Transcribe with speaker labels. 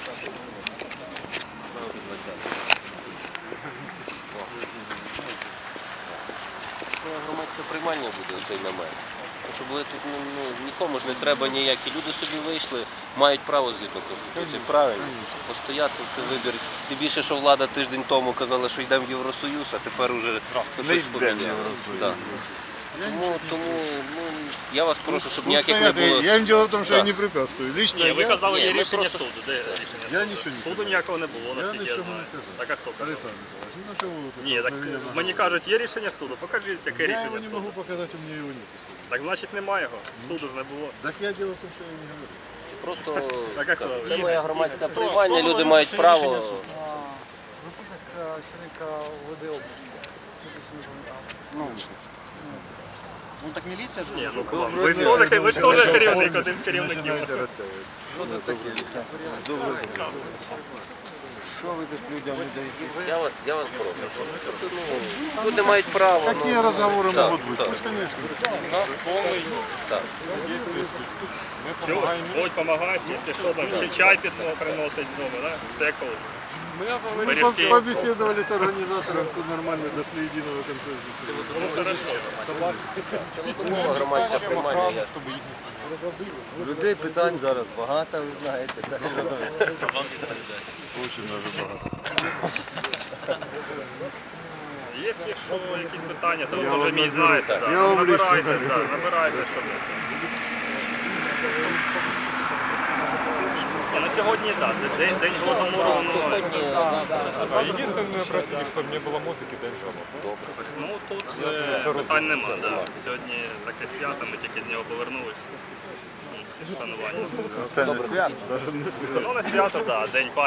Speaker 1: Громадське приймання буде цей намет. Щоб ви тут нікому ж не треба ніякі. Люди собі вийшли, мають право згідно Конституції. Правильно. Постояти це вибір. Тим більше, що влада тиждень тому казала, що йдемо в Євросоюз, а тепер вже щось поміняли. Тому я вас прошу, щоб ніяких не було.
Speaker 2: Я їм діло в тому, що я не препятствую. Лично
Speaker 3: Ні, ви казали, є рішення
Speaker 1: просто...
Speaker 3: суду. Де рішення
Speaker 2: Я
Speaker 3: суду?
Speaker 2: нічого не
Speaker 3: Суду ніякого не було, наскільки я знаю. Так а хто казав? Ні, так мені кажуть, є рішення суду. Покажіть, яке
Speaker 2: Я
Speaker 3: рішення
Speaker 2: его не
Speaker 3: суду.
Speaker 2: могу показать, у меня его нет.
Speaker 3: Так значить немає його. Суду ж не було.
Speaker 2: Так я дело в том, что я не говорю.
Speaker 1: Просто
Speaker 3: Так як то?
Speaker 1: це моє громадське приймання, люди мають право.
Speaker 4: Заступник начальника ОВД області. Ну так міліція ж?
Speaker 3: Ні, ну кому? Ви ж теж керівник, один з керівників.
Speaker 2: Что за такие? Добрый день. Что вы тут людям не даете?
Speaker 1: Я вас прошу, щоб люди мають право.
Speaker 2: Какие разговоры могут быть? Пусть, конечно.
Speaker 5: У нас повний
Speaker 1: Так.
Speaker 5: дійсний суд. Ми
Speaker 3: Чого?
Speaker 5: допомагаємо.
Speaker 3: Будь допомагати, якщо що, там ще чай питного приносить вдома, так? Все коли.
Speaker 2: Мы
Speaker 3: Пирожки.
Speaker 2: побеседовали с организатором, все нормально, дошли единого консенсуса.
Speaker 3: Ну, хорошо.
Speaker 1: Цілодобове громадське приймання.
Speaker 6: Людей питань зараз багато, ви знаєте.
Speaker 2: Очень даже багато.
Speaker 3: Якщо що, якісь питання, то ви вже мій знаєте.
Speaker 2: Я вам лично
Speaker 3: Набирайте, щоб... На сьогодні так, день Голодомору немає.
Speaker 5: Єдине просили, щоб не було музики, да нічого.
Speaker 3: Ну тут питань нема, да. Сьогодні таке свято, ми тільки з нього повернулися. Всі шанування.
Speaker 2: Це не свято, навіть не свято.
Speaker 3: Ну не свято, так, день